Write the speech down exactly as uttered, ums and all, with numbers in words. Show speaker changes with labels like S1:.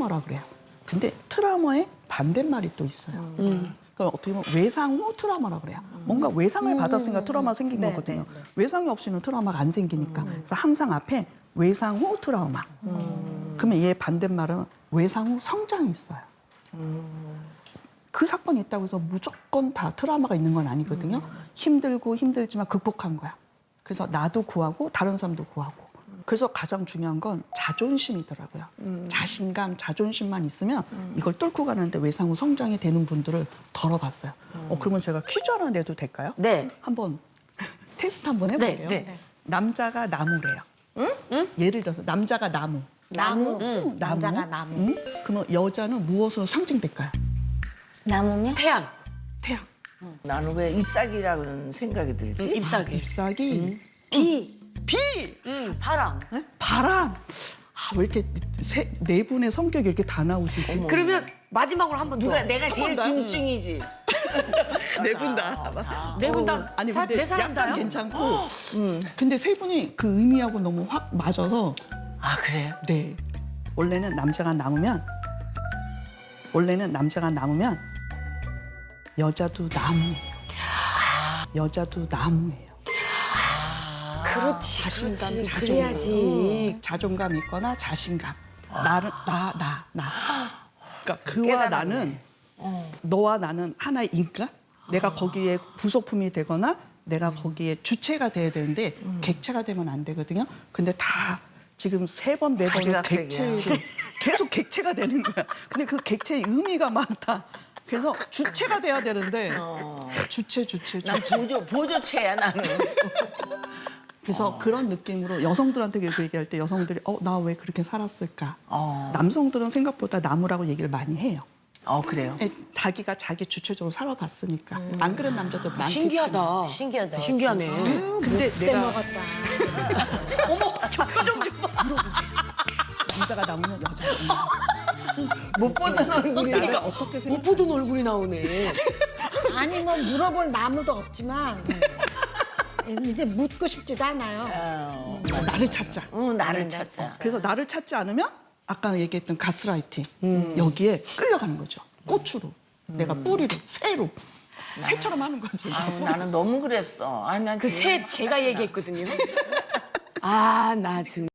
S1: 트라우마라 그래요. 근데 트라우마의 반대말이 또 있어요. 음. 그러니까 어떻게 보면 외상 후 트라우마라 그래요. 뭔가 외상을
S2: 음.
S1: 받았으니까 트라우마 생긴
S2: 네,
S1: 거거든요.
S2: 네, 네.
S1: 외상이 없이는 트라우마가 안 생기니까. 그래서 항상 앞에 외상 후 트라우마.
S2: 음.
S1: 그러면 얘 반대말은 외상 후 성장이 있어요. 그 사건이 있다고 해서 무조건 다 트라우마가 있는 건 아니거든요. 힘들고 힘들지만 극복한 거야. 그래서 나도 구하고 다른 사람도 구하고. 그래서 가장 중요한 건 자존심이더라고요. 음. 자신감, 자존심만 있으면 음. 이걸 뚫고 가는데 외상 후 성장이 되는 분들을 덜어봤어요. 음. 어, 그러면 제가 퀴즈 하나 내도 될까요?
S3: 네.
S1: 한번 테스트 한번 해볼게요.
S3: 네, 네.
S1: 남자가 나무래요. 응? 응? 예를 들어서 남자가 나무.
S2: 나무.
S1: 응, 나무.
S2: 남자가 나무.
S1: 응? 그러면 여자는 무엇으로 상징될까요?
S2: 나무면?
S3: 태양.
S1: 태양.
S4: 나는 왜 잎사귀라는 생각이 들지?
S3: 잎사귀.
S1: 잎사귀.
S2: 비.
S1: 비.
S3: 음, 바람.
S1: 바람. 아, 왜 이렇게 세, 네 분의 성격이 이렇게 다 나오시지?
S3: 그러면 마지막으로 한 번 더.
S4: 누가 내가 제일
S1: 번 더?
S4: 중증이지.
S1: 네 분 다.
S3: 네 분 다.
S1: 아니
S3: 사-
S1: 근데
S3: 네 사람
S1: 약간
S3: 다요?
S1: 괜찮고. 음. 근데 세 분이 그 의미하고 너무 확 맞아서.
S4: 아 그래요?
S1: 네. 원래는 남자가 남으면 원래는 남자가 남으면 여자도 나무예요. 여자도 나무예요.
S3: 그렇지.
S1: 자신감,
S3: 그렇지.
S1: 자존감.
S3: 그래야지.
S1: 자존감 있거나 자신감. 나를 나, 나, 나. 그러니까 그와
S4: 깨달았네.
S1: 나는 너와 나는 하나인가? 내가 거기에 부속품이 되거나 내가 거기에 주체가 돼야 되는데 객체가 되면 안 되거든요. 근데 다 지금 세 번, 네 번을
S4: 가지각색이야.
S1: 객체로 계속 객체가 되는 거야. 근데 그 객체의 의미가 많다. 그래서 주체가 돼야 되는데 주체, 주체,
S4: 난
S1: 주체.
S4: 보조 보조체야 나는.
S1: 그래서 그런 느낌으로 여성들한테 그 얘기할 때 여성들이 어, 나 왜 그렇게 살았을까?
S4: 어.
S1: 남성들은 생각보다 나무라고 얘기를 많이 해요.
S4: 어 그래요?
S1: 에, 자기가 자기 주체적으로 살아봤으니까. 안 그런 남자도 많겠지만.
S3: 신기하다.
S2: 신기하다.
S3: 신기하네.
S1: 근데
S2: 때
S1: 내가
S2: 먹었다.
S3: 어머, 저 표정 좀 봐.
S1: 남자가 나오면 여자가
S4: 못 보는 얼굴이.
S1: 나를 어떻게
S3: 못
S1: 생각?
S3: 보던 얼굴이 나오네.
S2: 아니 뭐 물어볼 나무도 없지만 이제 묻고 싶지도 않아요.
S4: 어,
S1: 나를 찾자.
S4: 응 나를 찾자.
S1: 그래서 나를 찾지 않으면 아까 얘기했던 가스라이팅 여기에 끌려가는 거죠. 꽃으로, 내가 뿌리로, 새로, 새처럼 하는 거지.
S4: 아, 나는 너무 그랬어. 아난
S3: 그 새 제가 얘기했거든요. 아, 나 지금.